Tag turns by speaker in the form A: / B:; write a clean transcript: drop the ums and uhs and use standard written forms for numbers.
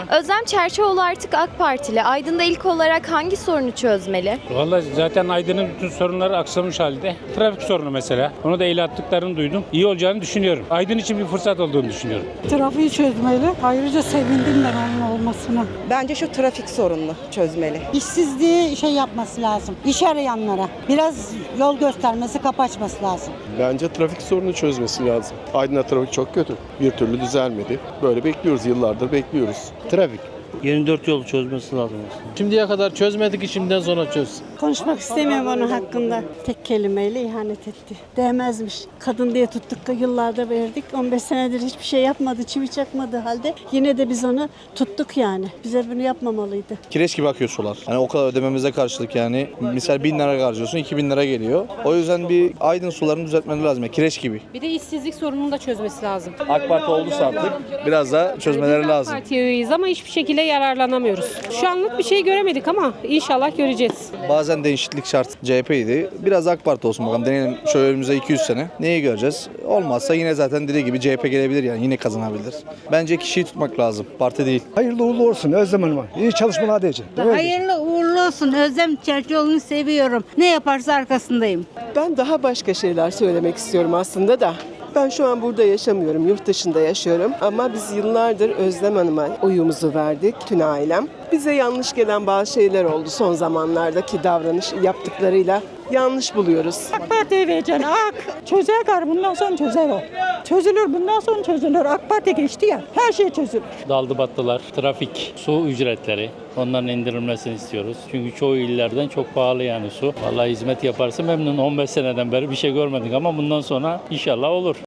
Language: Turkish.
A: Özlem Çerçioğlu artık AK Partili. Aydın'da ilk olarak hangi sorunu çözmeli?
B: Vallahi zaten Aydın'ın bütün sorunları aksamış halde. Trafik sorunu mesela. Onu da el attıklarını duydum. İyi olacağını düşünüyorum. Aydın için bir fırsat olduğunu düşünüyorum.
C: Trafiği çözmeli. Ayrıca sevindim ben onun olmasına.
D: Bence şu trafik sorununu çözmeli.
C: İşsizliği yapması lazım. İş arayanlara. Biraz yol göstermesi, kapı açması lazım.
E: Bence trafik sorunu çözmesi lazım. Aydın'da trafik çok kötü. Bir türlü düzelmedi. Böyle bekliyoruz, yıllardır bekliyoruz.
F: Trafik. 24 yolu çözmesi lazım aslında.
G: Şimdiye kadar çözmedik, şimdiden sonra çözsün.
C: Konuşmak istemiyorum onun hakkında. Tek kelimeyle ihanet etti. Değmezmiş. Kadın diye tuttuk, yıllarda verdik. 15 senedir hiçbir şey yapmadı, çivi çakmadığı halde yine de biz onu tuttuk yani. Bize bunu yapmamalıydı.
H: Kireç gibi akıyor sular. Hani o kadar ödememize karşılık yani. Misal 1000 lira harcıyorsun, 2000 lira geliyor. O yüzden bir Aydın sularını düzeltmeleri lazım. Yani kireç gibi.
I: Bir de işsizlik sorununu da çözmesi lazım.
H: AK Parti olduysa artık biraz da çözmeleri lazım.
I: Partiye üyeyiz ama hiçbir şekilde yararlanamıyoruz. Şu anlık bir şey göremedik ama inşallah göreceğiz.
H: Bazen değişiklik şart. CHP'ydi. Biraz AK Parti olsun bakalım. Deneyelim şöyle önümüze 200 sene. Neyi göreceğiz? Olmazsa yine zaten dediği gibi CHP gelebilir yani. Yine kazanabilir. Bence kişiyi tutmak lazım. Parti değil.
J: Hayırlı uğurlu olsun Özlem Hanım'a. İyi çalışmalar diyeceğim.
K: Hayırlı uğurlu olsun. Özlem Çerçioğlu'nu seviyorum. Ne yaparsa arkasındayım.
D: Ben daha başka şeyler söylemek istiyorum aslında da. Ben şu an burada yaşamıyorum, yurt dışında yaşıyorum. Ama biz yıllardır Özlem Hanım'a oyumuzu verdik, tüm ailem. Bize yanlış gelen bazı şeyler oldu son zamanlardaki davranış yaptıklarıyla. Yanlış buluyoruz.
C: AK Parti'ye vereceksin. Çözer gar. Bundan sonra çözer o. Çözülür. Bundan sonra çözülür. AK Parti geçti ya. Her şey çözülür.
B: Daldı battılar, trafik, su ücretleri. Onların indirilmesini istiyoruz. Çünkü çoğu illerden çok pahalı yani su. Vallahi hizmet yaparsa memnun. 15 seneden beri bir şey görmedik ama bundan sonra inşallah olur.